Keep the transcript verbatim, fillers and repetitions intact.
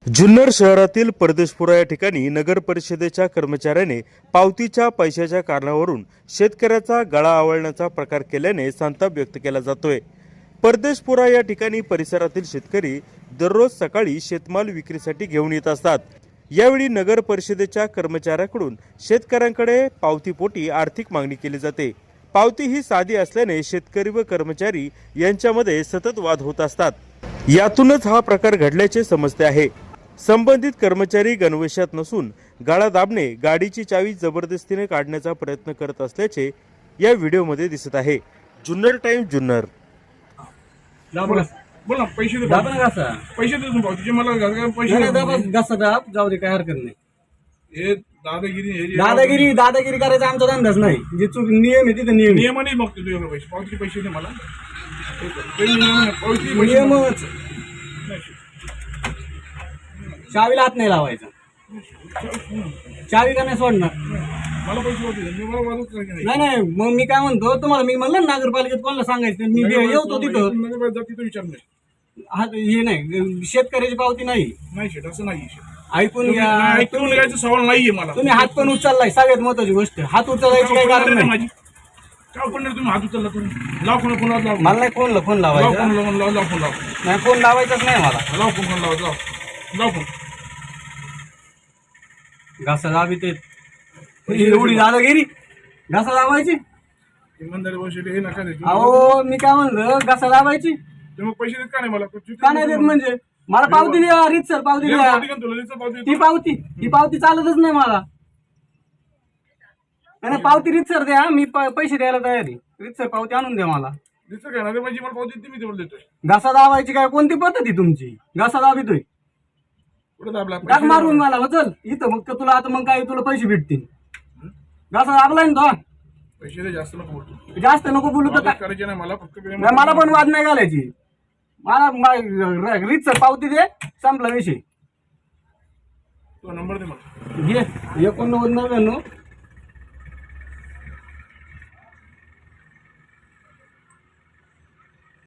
जुन्नर शहरातील परदेशपुरा या ठिकाणी नगर परिषदेच्या कर्मचाऱ्याने पावतीच्या पैशाच्या कारणावरून शेतकऱ्याचा गळा आवळण्याचा प्रकार केल्याने संताप व्यक्त केला जातोय। परदेशपुरा या ठिकाणी परिसरातील शेतकरी दररोज सकाळी शेतमाल विक्रीसाठी घेऊन येत असतात। यावेळी नगर परिषदेच्या कर्मचाऱ्याकडून शेतकऱ्यांकडे पावतीपोटी आर्थिक मागणी केली जाते। पावती ही साधी असल्याने शेतकरी व कर्मचारी यांच्यामध्ये सतत वाद होत असतात। यातूनच हा प्रकार घडल्याचे समजते आहे। संबंधित कर्मचारी गणवेशात नसून गाळा दाबणे, गाडीची चावी जबरदस्तीने काढण्याचा प्रयत्न करत असल्याचे या व्हिडिओमध्ये दिसत आहे। जुन्नर टाइम जुन्नर। बोला बोला पैसे दे दाबा ना घासा पैसे दे तुम्ही भाऊजी मला घासा पैसे नाही दाबा घासा दाब जाऊ दे काय हरकत नाही। हे दादागिरी हे जे- दादागिरी दादागिरी करायचा आमचा धंदाच नाही। जे चूक नियम आहे तिथं नियम आहे। नियमाने बघतो तुझ्याकडे पैसे पावतीचे पैसे दे मला ते नियम- पावतीचे पैसे नियमच नाही. चावीला हात नाही लावायचा। चावी का नाही सोडणार? मला पैसे पावती दे. मी मला वाजवत नाही. नाही नाही मग मी काय म्हणतो तुम्हाला मी म्हणलं ना नगरपालिकेत कोणाला सांगायचं मी येतो तिथं नगरपालिका जाती तर विचार नाही हा हे नाही शेतकऱ्याची पावती नाही नाही शेट असं नाही शेट. ऐकून घ्या। नाही, ऐकून घ्यायचं सवाल नाहीये मला तुम्ही हात पण उचललाय सगळ्यात महत्वाची गोष्ट हात उचलायची काही कारण नाही। माझी काय पण नाही तुम्ही हात उचलला तुम्ही लाव फोन फोन लाव मला नाही फोनला फोन लाव लावायचा फोन लाव लाव लाव फोन लाव नाही फोन लावायचाच नाही मला। लाव फोन फोन लाव लाव लाव फोन घासा दाबी ते एवढी दादागिरी घासा दाबायची। इमानदारी पैसे हे नका दे अहो मी काय म्हणलं घासा दाबायची तुम्ही पैसे देत का नाही मला का नाही देत म्हणजे मला पावती द्या रीतसर पावती द्या। पावती का तुला देतो पावती ती पावती ती पावती चालतच नाही मला। नाही नाही, पावती रीतसर द्या मी प- पैसे द्यायला तयार आहे। रीतसर पावती आणून द्या मला। दिसतं काय ना रे माझी मला पावती देते मी तेवढं देतोय घासा दाबायची काय कोणती पद्धती तुमची? घासा दाबितोय कुठं दाबला टाक मारून मला हो, चल इथं मग तुला आता मग काय तुला पैसे भेटतील। घासा दाबलाय ना तो पैसे दे जास्त नको बोलतो जास्त नको बोलू तर वाद काय करायचे नाही मला फक्त प्रेम- नाही, मला पण वाद नाही घालायची। मला रीतसर पावती दे संपला विषय। तो नंबर दे मला घे एकोणनव्वद नव्याण्णव